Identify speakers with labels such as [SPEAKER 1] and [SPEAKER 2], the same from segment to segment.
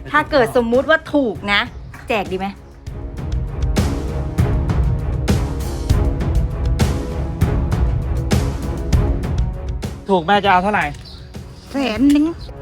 [SPEAKER 1] ถ้าเกิดสมมุติว่าถูกนะ แจกดีไหม
[SPEAKER 2] ถูกแม่จะเอาเท่าไหร่
[SPEAKER 1] 100,000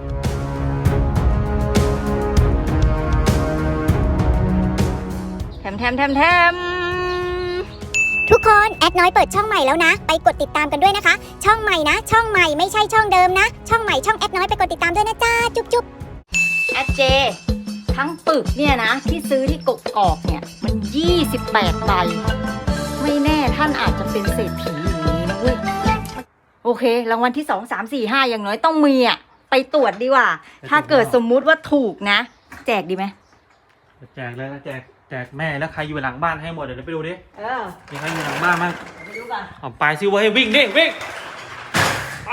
[SPEAKER 1] แถม
[SPEAKER 3] ทุกคนแอดน้อยเปิดช่องใหม่แล้วนะ ไปกดติดตามกันด้วยนะคะ ช่องใหม่นะ ช่องใหม่ไม่ใช่ช่องเดิมนะ ช่องใหม่ช่องแอดน้อยไปกดติดตามด้วยนะจ้าจุ๊บจุ๊บ
[SPEAKER 1] แอดเจทั้งปึกเนี่ยนะที่ซื้อที่กกอกเนี่ยมัน28 ใบไม่แน่ท่านอาจจะเป็นเศรษฐีอย่างนี้นะเว้ยโอเครางวัลที่2 3 4 5อย่างน้อยต้องมีอ่ะไปตรวจดีกว่าถ้าเกิดสมมุติว่าถูกนะแจกดีไหม
[SPEAKER 2] แจกเลยนะแจกแม่แล้วใครอยู่หลังบ้านให้หมดเดี๋ยวไปดูดิ มีใครอยู่หลังบ้านมั้ง
[SPEAKER 1] ไปดูก่อน
[SPEAKER 2] เอาไปซิเว้ยวิ่งดิวิ่งไป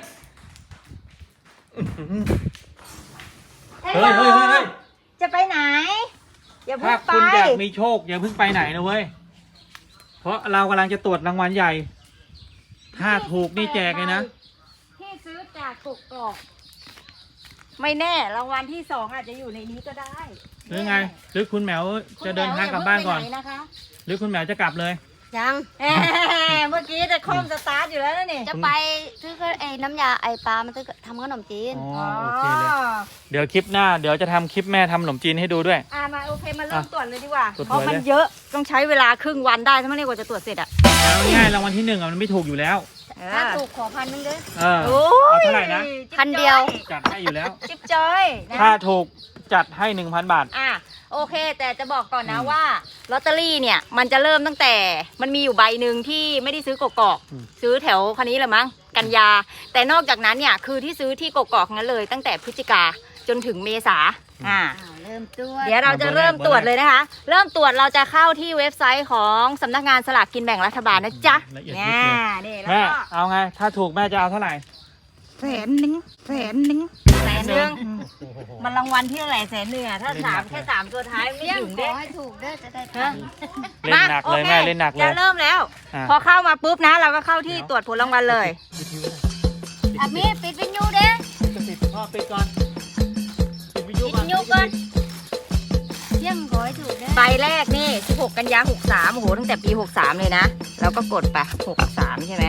[SPEAKER 2] เฮ้ย
[SPEAKER 1] จะไปไหนอย่าเพิ่
[SPEAKER 2] ถ้าง
[SPEAKER 1] ไป
[SPEAKER 2] คุณอยากมีโชคอย่าเพิ่งไปไหนนะเว้ยเพราะเรากำลังจะตรวจรางวัลใหญ่ถ้าถูกนี่แจกเลยนะ
[SPEAKER 1] ที่ซื้อจากกกอกไม่แน่รางวัลที่2อาจจะอยู่ในนี้ก็ได้
[SPEAKER 2] หรือไงหรือคุณแหมวจะเดินทางกลับบ้านก่อน
[SPEAKER 1] คุณแหมวย่าเพิ่งไปไหนะคะ
[SPEAKER 2] หรือคุณแหมวจะกลับเลย
[SPEAKER 4] ยัง
[SPEAKER 1] เมื่อกี้จะคล่อมสตาร์ทอยู่แล้วนะนี่
[SPEAKER 4] จะไปซื้อไอ้น้ำยาไอ้ปลามาซื้อทำขนมจีน
[SPEAKER 2] อ๋อโอเคเลยเดี๋ยวคลิปหน้าเดี๋ยวจะทำคลิปแม่ทำขนมจีนให้ดูด้วย
[SPEAKER 1] มาโอเคมาเริ่มตรวจเลยดีกว่า
[SPEAKER 2] ตรวจ
[SPEAKER 1] เพราะมัน
[SPEAKER 2] เลย
[SPEAKER 1] เยอะต้องใช้เวลาครึ่งวันได้ถ้าไม่เรียกว่าจะตรวจเสร็จอ่ะ
[SPEAKER 2] เอาง่ายๆรางวัลที่1มันไม่ถูกอยู่แล้ว
[SPEAKER 4] ถ้าถูกขอ1,000เด้อ
[SPEAKER 1] โอ้
[SPEAKER 2] เอาเท่าไหร่นะ
[SPEAKER 4] พันเดียว
[SPEAKER 2] จัดให้อยู่แล้ว
[SPEAKER 1] จิ๊บจอยนะ
[SPEAKER 2] ถ้าถูกจัดให้ 1,000 บาท
[SPEAKER 1] โอเค แต่จะบอกก่อนนะว่าลอตเตอรี่เนี่ยมันจะเริ่มตั้งแต่มันมีอยู่ใบหนึ่งที่ไม่ได้ซื้อกกอก
[SPEAKER 2] อืม
[SPEAKER 1] ซื้อแถวคันนี้แหละมั้งกันยา แต่นอกจากนั้นเนี่ยคือที่ซื้อที่กกอกนั้นเลย ตั้งแต่พฤศจิกาจนถึงเมษา
[SPEAKER 4] เริ่มตัว
[SPEAKER 1] เดี๋ยวเราจะเริ่มตรวจเลยนะคะ เริ่มตรวจเราจะเข้าที่เว็บไซต์ของสำนักงานสลากกินแบ่งรัฐบาลนะจ๊ะ
[SPEAKER 2] ละเอียด
[SPEAKER 1] เนี่
[SPEAKER 2] ยิบ
[SPEAKER 1] ย
[SPEAKER 2] เลย
[SPEAKER 1] นี่แล้ว
[SPEAKER 2] แม่
[SPEAKER 1] ก็
[SPEAKER 2] เอาไง ถ้าถูกแม่จะเอาเท่าไหร่
[SPEAKER 1] 100,000มันรางวัลที่เท่าไหร่100,000อะถ้าถามแค่3ตัวท้ายไม่
[SPEAKER 4] ยัง
[SPEAKER 1] ถึง
[SPEAKER 4] ข
[SPEAKER 1] เด้
[SPEAKER 4] อให้ถูกเด้อจะได้
[SPEAKER 1] ฮะ
[SPEAKER 4] ทำ
[SPEAKER 2] เล่นหนักเลยแม่เล่นหนักเลย
[SPEAKER 1] จะเริ่มแล้ว
[SPEAKER 2] อ่ะ
[SPEAKER 1] พอเข้ามาปุ๊บนะ เราก็เข้าที่ตรวจผลรางวัลเลย
[SPEAKER 4] มีปิดวิญญูเด้อ
[SPEAKER 2] ปิดพ่อปิดก่อนปิดวิทยุ
[SPEAKER 4] ปิดวิญญูก่อนยังขอให้ถูกเด้อ
[SPEAKER 1] ใบแรกนี่16 กันยา63โอ้โหตั้งแต่ปี63เลยนะแล้วก็กดไป63ใช่ไหม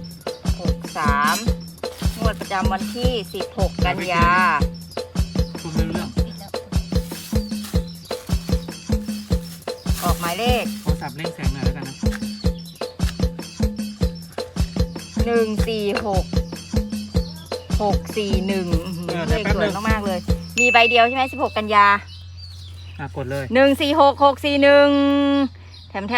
[SPEAKER 1] 63งวดประจำวันที่16 กันยา
[SPEAKER 2] คุณไม่รู้เรื่อง
[SPEAKER 1] ออกหมายเลข
[SPEAKER 2] โทรศัพท์เร่งแสงหน่อยแล้วกันนะ
[SPEAKER 1] 146 641เลขสวยมากๆเลย มีใบเดียวใช่ไหม16 กันยา
[SPEAKER 2] กดเลย
[SPEAKER 1] 146641แถม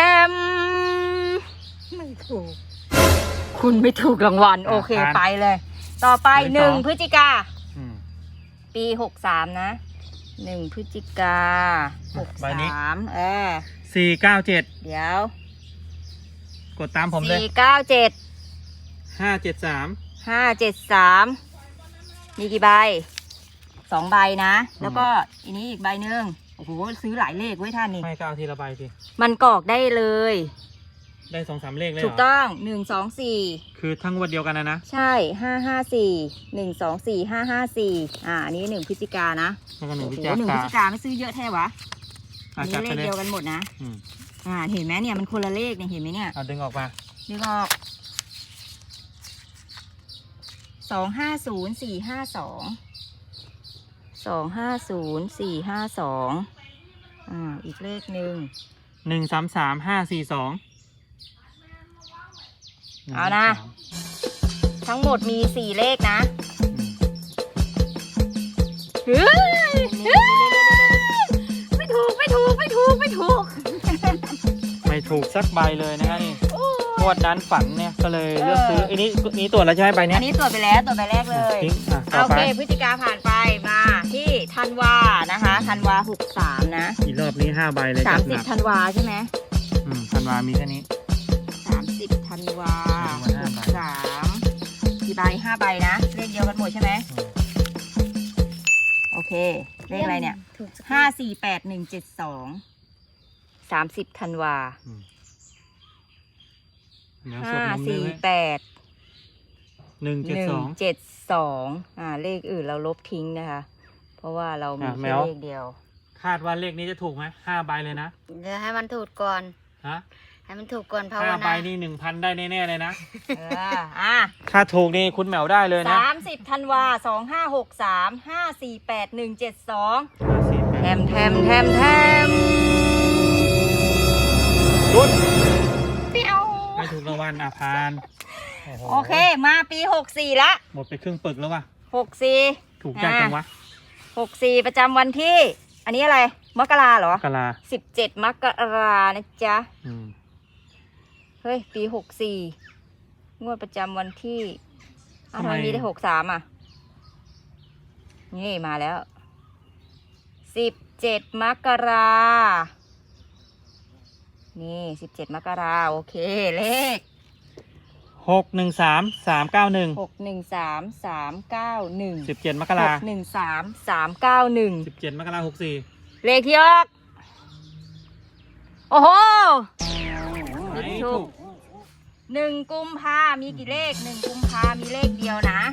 [SPEAKER 1] ไม่ถูก คุณไม่ถูกรางวัลโอเคไปเลย ต่อไป1 พฤศจิกา
[SPEAKER 2] อืม
[SPEAKER 1] ปี63นะ1 พฤศจิกา
[SPEAKER 2] ใบนี้
[SPEAKER 1] 63
[SPEAKER 2] 497
[SPEAKER 1] เดี๋ยว
[SPEAKER 2] กดตามผมเลย
[SPEAKER 1] 497
[SPEAKER 2] 573
[SPEAKER 1] 573มีกี่ใบ2 ใบนะ แล้วก็อันนี้อีกใบหนึ่งโอ้โหซื้อหลายเลขไว้ท่านนี่
[SPEAKER 2] ไม่ก็เอาทีละใบสิ
[SPEAKER 1] มันกรอกได้เลย
[SPEAKER 2] ได้2-3 เลขเลย
[SPEAKER 1] ถู
[SPEAKER 2] เห
[SPEAKER 1] ก
[SPEAKER 2] รอ
[SPEAKER 1] ต้อง1 2 4
[SPEAKER 2] คือทั้งวันเดียวกันนะ
[SPEAKER 1] ใช่554 1 2 4 554อันนี้1 พฤศจิกานะ
[SPEAKER 2] แล้วก็1
[SPEAKER 1] โอ้
[SPEAKER 2] พฤศ
[SPEAKER 1] โห
[SPEAKER 2] จิ
[SPEAKER 1] 1 พฤ
[SPEAKER 2] กา
[SPEAKER 1] ศจิกาไม่ซื้อเยอะแท้วะอันนี้
[SPEAKER 2] จัด
[SPEAKER 1] เล
[SPEAKER 2] ไป
[SPEAKER 1] ข
[SPEAKER 2] เลย
[SPEAKER 1] เดียวกันหมดนะ
[SPEAKER 2] อืม
[SPEAKER 1] เห็นไหมเนี่ยมันคนละเลขเนี่ยเห็นไหมเนี่ย
[SPEAKER 2] เอาดึงออกมา
[SPEAKER 1] นึกออก250452อีกเลขหนึ่ง
[SPEAKER 2] 133-542
[SPEAKER 1] เอานะ ทั้งหมดมี4เลขนะเฮ้ยไม่ถูก
[SPEAKER 2] ไม่ถูกสักใบเลยนะฮะนี่งวดนั้นฝันเนี่ยก็เลยเลือกซื้ออันนี้ตรวจแล้วใช่ไหมใบเนี้
[SPEAKER 1] อั
[SPEAKER 2] ย
[SPEAKER 1] นนี้ตรวจไปแล้วตรวจใบแรกเลย
[SPEAKER 2] ทิ้งต่อ
[SPEAKER 1] โอ
[SPEAKER 2] ไป
[SPEAKER 1] เคพฤศจิกาผ่านไปมาที่ธันวานะคะธันวา63นะ
[SPEAKER 2] อีกรอบนี้5ใบเลยจัดหนัก
[SPEAKER 1] 30ธันวาใช่ไหม
[SPEAKER 2] ธันวามีแค่นี้
[SPEAKER 1] 30ธันวา63กี่ใบ5ใบนะเลขเดียวกันหมดใช่ไหมโอเคเลขอะไรเนี่ย548172 30ธันวา
[SPEAKER 2] เดี๋ยวสวดมนต์เลยไหม172
[SPEAKER 1] 172เลขอื่นเราลบทิ้งนะคะ เพเพราะว่าเรามี
[SPEAKER 2] แม
[SPEAKER 1] แค่
[SPEAKER 2] ว
[SPEAKER 1] เลขเดียว
[SPEAKER 2] คาดว่าเลขนี้จะถูกไหม5 ใบเลยนะ
[SPEAKER 4] เดี๋ยวให้มันถูกก่อน
[SPEAKER 2] ฮะ
[SPEAKER 4] ให้มันถูกก่อนภาว
[SPEAKER 2] 5 ใบ
[SPEAKER 4] นา
[SPEAKER 2] นี่ 1,000 ได้แน่ๆเลยนะ
[SPEAKER 1] อ่ะ
[SPEAKER 2] ถ้าถูกนี่คุณแหมวได้เลยนะ
[SPEAKER 1] 30 ธันวา 2563 548 172
[SPEAKER 2] 50
[SPEAKER 1] แทมแทมแทมแทม
[SPEAKER 2] ลุ้น
[SPEAKER 1] เปียว
[SPEAKER 2] ไม่ถูกรางวัลพานโอ้โห
[SPEAKER 1] โอเค มาปี 64 ละ
[SPEAKER 2] หมดไปครึ่งปึกแล้วว่ะ
[SPEAKER 1] 64
[SPEAKER 2] ถูกยากจังวะ
[SPEAKER 1] 64 ประจำวันที่ อันนี้อะไร มกราเหรอ
[SPEAKER 2] กะลา
[SPEAKER 1] 17 มกรานะจ๊ะ
[SPEAKER 2] อืม
[SPEAKER 1] เฮ้ย ปี 64 งวดประจำวันที่อ้าวทำไมมีได้ 63 อ่ะ นี่มาแล้ว 17 มกรานี่ 17 มกราโอเค เลข
[SPEAKER 2] 613 391
[SPEAKER 1] 613 391
[SPEAKER 2] 17 มกรา
[SPEAKER 1] 613 391
[SPEAKER 2] 17 มกรา64
[SPEAKER 1] เลขที่ออก โอ้โห
[SPEAKER 2] ไม่ถูก
[SPEAKER 1] 1 กุมภามีกี่เลข 1 กุมภามีเลขเดียวนะ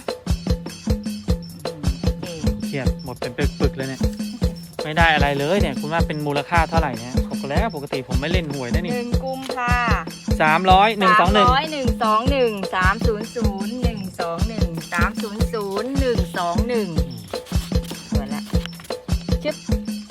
[SPEAKER 1] เอ๊ะ
[SPEAKER 2] เครียดหมดเป็นปึกๆเลยเนี่ย ไม่ได้อะไรเลยเนี่ย คุณว่าเป็นมูลค่าเท่าไหร่เนี่ยปกติผมไม่เล่นหวยนะนี่
[SPEAKER 1] 1 กุมภา
[SPEAKER 2] 300 121
[SPEAKER 1] 121 300 121 300 121สวยละชึบ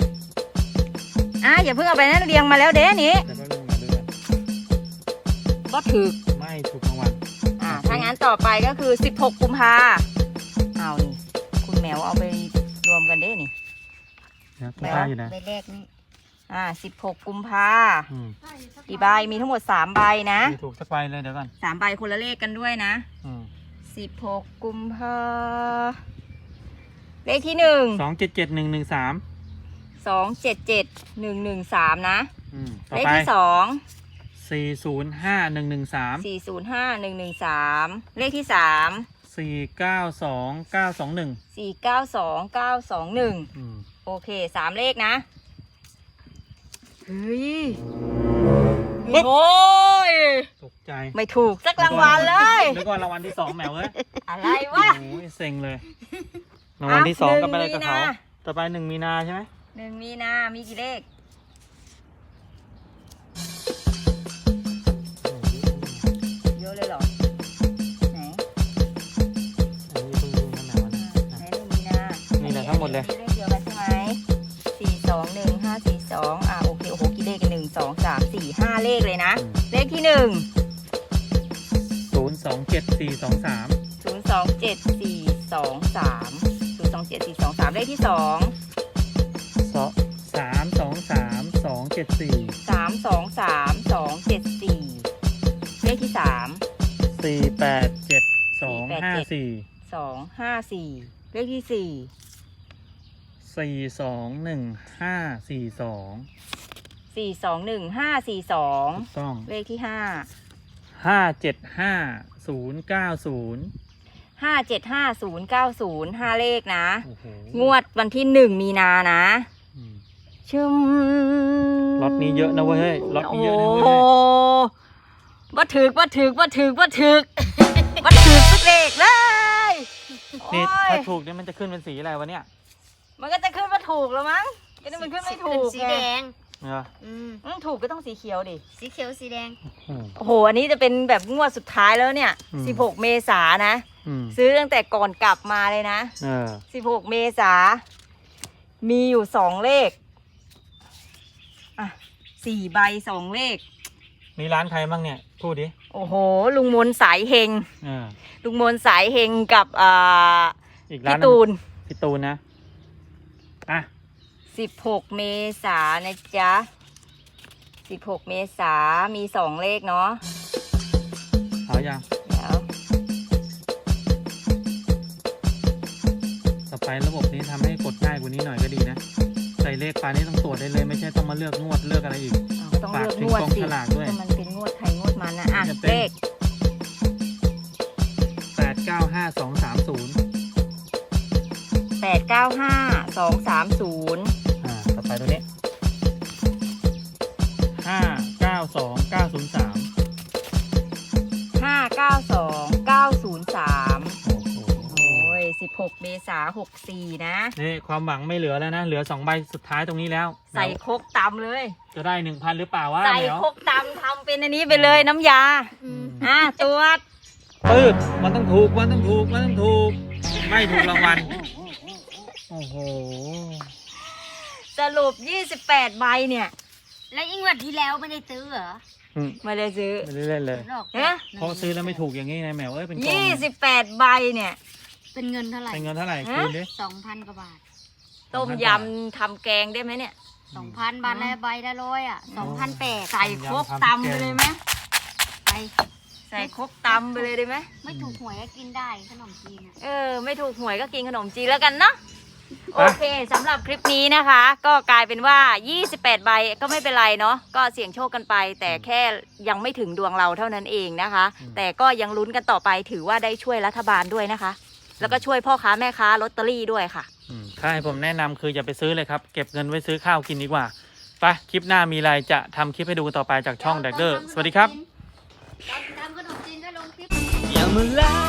[SPEAKER 1] อย่าเพิ่งเอาไปนะเรียงมาแล้วเด้นี้
[SPEAKER 2] แต่ก็เรื่องมาด้วยกัน
[SPEAKER 1] ก็ถือ
[SPEAKER 2] ไม่ถูกรางวัล
[SPEAKER 1] ถ้างั้นต่อไปก็คือ 16 กุมภาเอานี่ คุณแมวเอาไปรวมกันเด้นี่
[SPEAKER 2] นะคุณป้าอยู่นะ
[SPEAKER 4] ใบแรกนี่
[SPEAKER 1] 16 กุมภา
[SPEAKER 2] อืม
[SPEAKER 1] กี่ใบ มีทั้งหมด 3 ใบนะ
[SPEAKER 2] ไม่ถูกสักใบเลยเดี๋ยวก่อน
[SPEAKER 1] 3 ใบคนละเลขกันด้วยนะ
[SPEAKER 2] อืม
[SPEAKER 1] 16 กุมภาเลขที่
[SPEAKER 2] 277113
[SPEAKER 1] 277 113 นะ
[SPEAKER 2] ต่อ
[SPEAKER 1] เลข
[SPEAKER 2] ไป
[SPEAKER 1] ที่
[SPEAKER 2] 405113
[SPEAKER 1] 2 405 113 เลขที่
[SPEAKER 2] 492921
[SPEAKER 1] 3 492921
[SPEAKER 2] อืม
[SPEAKER 1] โอเค 3 เลขนะ เฮ้ย
[SPEAKER 2] ปึ๊บ
[SPEAKER 1] โอ้ย
[SPEAKER 2] ตกใจ
[SPEAKER 1] ไม่ถูกสักรางวัลเลย
[SPEAKER 2] นึกว่ารางวัลที่ 2แหมวเอ้ย
[SPEAKER 1] อะไรวะ
[SPEAKER 2] โอ้ยเซ็งเลยรางวัลที่ 2ก็ไปเลยกับเขา
[SPEAKER 1] 1 มีนา
[SPEAKER 2] ต่อไป1 มีนาใช่ไหม
[SPEAKER 1] 1 มีนา มีกี่เลข เยอะเลยเหรอ ไหน
[SPEAKER 2] อันนี้เพิ่งรู้นะแหมวนะ
[SPEAKER 1] ไหน1 มีนา
[SPEAKER 2] นี่แหละทั้งหมดเลย
[SPEAKER 1] อันนี้เลขเดียวกันใช่ไหม421 542โอเค โอ้โห กี่เลขกัน1 2 3 4 5 เลขเลยนะ เลขที่ 1
[SPEAKER 2] 027423
[SPEAKER 1] 027 423 เลขที่ 2
[SPEAKER 2] 323 274
[SPEAKER 1] 323 274 เลขที่ 3
[SPEAKER 2] 487 254
[SPEAKER 1] 254 เลขที่
[SPEAKER 2] 421542
[SPEAKER 1] 4 421 542
[SPEAKER 2] ถูกต้อง
[SPEAKER 1] เลขที่
[SPEAKER 2] 575090
[SPEAKER 1] 575090 5 เลขนะ
[SPEAKER 2] โอ้โห
[SPEAKER 1] งวดวันที่ 1 มีนานะ
[SPEAKER 2] อืม
[SPEAKER 1] ชึม
[SPEAKER 2] ล็อตนี้เยอะนะเว้ยเฮ้ยล็อตนี้เยอะนะเว้ย
[SPEAKER 1] โอ้บ่ถึกสักเลขเลย
[SPEAKER 2] นี่
[SPEAKER 1] โอ้ย
[SPEAKER 2] ถ้าถูกเนี่ยมันจะขึ้นเป็นสีอะไรวะเนี่ย
[SPEAKER 1] มันก็จะขึ้นมาถูกแล้วมั้งก็นี่มันขึ้นไม่ถูก
[SPEAKER 4] สีแดง
[SPEAKER 2] เหรอ
[SPEAKER 1] ถูกก็ต้องสีเขียวดิ
[SPEAKER 4] สีเขียวสีแดง
[SPEAKER 2] อืม
[SPEAKER 1] โอ้โห อันนี้จะเป็นแบบงวดสุดท้ายแล้วเนี่ย
[SPEAKER 2] อืม
[SPEAKER 1] 16 เมษายนนะ
[SPEAKER 2] อืม
[SPEAKER 1] ซื้อตั้งแต่ก่อนกลับมาเลยนะ 16 เมษามีอยู่ 2 เลข 4 ใบ 2 เลข
[SPEAKER 2] มีร้านใครบ้างเนี่ย พูดดิ
[SPEAKER 1] โอ้โห ลุงมนสายเฮง
[SPEAKER 2] เออ
[SPEAKER 1] ลุงมนสายเฮงกับ
[SPEAKER 2] อีกร้า
[SPEAKER 1] พี่
[SPEAKER 2] น
[SPEAKER 1] ตูน
[SPEAKER 2] พี่ตูนนะ อ่ะ
[SPEAKER 1] 16 เมษายนนะจ๊ะ 16 เมษามี 2 เลขเนาะ
[SPEAKER 2] เอายัง
[SPEAKER 1] เดี๋ยว
[SPEAKER 2] ต่อไประบบนี้ทำให้กดง่ายกว่านี้หน่อยก็ดีนะ ใส่เลขไปนี่ต้องตรวจได้เลย ไม่ใช่ต้องมาเลือกงวดเลือกอะไรอีก
[SPEAKER 1] ก็ต้องเลือกงวด
[SPEAKER 2] ฝากถึงกอง
[SPEAKER 1] สิ
[SPEAKER 2] ฉลากด้วย
[SPEAKER 1] ก็มันเป็นงวดใครงวดมันนะอ่ะ
[SPEAKER 2] จะเป็น
[SPEAKER 1] เลข
[SPEAKER 2] 895230
[SPEAKER 1] 895 230
[SPEAKER 2] ต่อไปตัวนี้ 592903
[SPEAKER 1] 592 903
[SPEAKER 2] โอ้โห
[SPEAKER 1] โอ้ย 16 เมษายน 64 นะ
[SPEAKER 2] นี่ความหวังไม่เหลือแล้วนะ เหลือ2ใบสุดท้ายตรงนี้แล้ว
[SPEAKER 1] ใส่ครกตำเลย
[SPEAKER 2] จะได้ 1,000 หรือเปล่าวะ
[SPEAKER 1] ใส่
[SPEAKER 2] แมว
[SPEAKER 1] ครกตำทำเป็นอันนี้ไปเลยน้ำยา ตรวจ
[SPEAKER 2] ปืดมันต้องถูก มันต้องถูก มันต้องถูก ไม่ถูกรางวัล โอ้โห
[SPEAKER 1] สรุป 28 ใบเนี่ย
[SPEAKER 4] แล้วยิ่งวันที่แล้วไม่ได้ซื้อเหรอ
[SPEAKER 1] ไม่ได้ซื้อ
[SPEAKER 2] ไม่ได้เล่นเลย
[SPEAKER 4] หลอก
[SPEAKER 1] เอ๊ะ
[SPEAKER 2] เพราะซื้อแล้วไม่ถูกอย่างนี้นะแมวเอ้ยเป็นกอง
[SPEAKER 1] 28 ใบเนี่ย
[SPEAKER 4] เป็นเงินเท่าไหร่
[SPEAKER 2] เป็นเงินเท่าไหร่
[SPEAKER 1] ฮะ
[SPEAKER 2] คูณดิ
[SPEAKER 4] 2,000 กว่าบาท
[SPEAKER 1] ต้มยำทำแกงได้ไหมเนี่ย
[SPEAKER 4] 2,000 บาทละใบละร้อยอ่ะ2,800
[SPEAKER 1] ใส่ครกตำไปเลยไหม
[SPEAKER 4] ไป
[SPEAKER 1] ใส่ครกตำไปเลยได้ไหม
[SPEAKER 4] ไม่ถูกหวยก็กินได้ขนมจีนอ่ะ
[SPEAKER 1] ไม่ถูกหวยก็กินขนมจีนแล้วกันเนาะ โอเคสำหรับคลิปนี้นะคะ ก็กลายเป็นว่า 28 ใบก็ไม่เป็นไรเนาะ ก็เสี่ยงโชคกันไป แต่แค่ยังไม่ถึงดวงเราเท่านั้นเองนะคะ แต่ก็ยังลุ้นกันต่อไปถือว่าได้ช่วยรัฐบาลด้วยนะคะ แล้วก็ช่วยพ่อค้าแม่ค้าลอตเตอรี่ด้วยค่ะ
[SPEAKER 2] ถ้าให้ผมแนะนำคืออย่าไปซื้อเลยครับ เก็บเงินไว้ซื้อข้าวกินดีกว่า ไป คลิปหน้ามีอะไรจะทำคลิปให้ดูต่อไปจากช่องแดกเดอร์ สวัสดีครับ
[SPEAKER 4] ทำขนมจีนก็ลงคลิป
[SPEAKER 2] อย่ามาแล้ว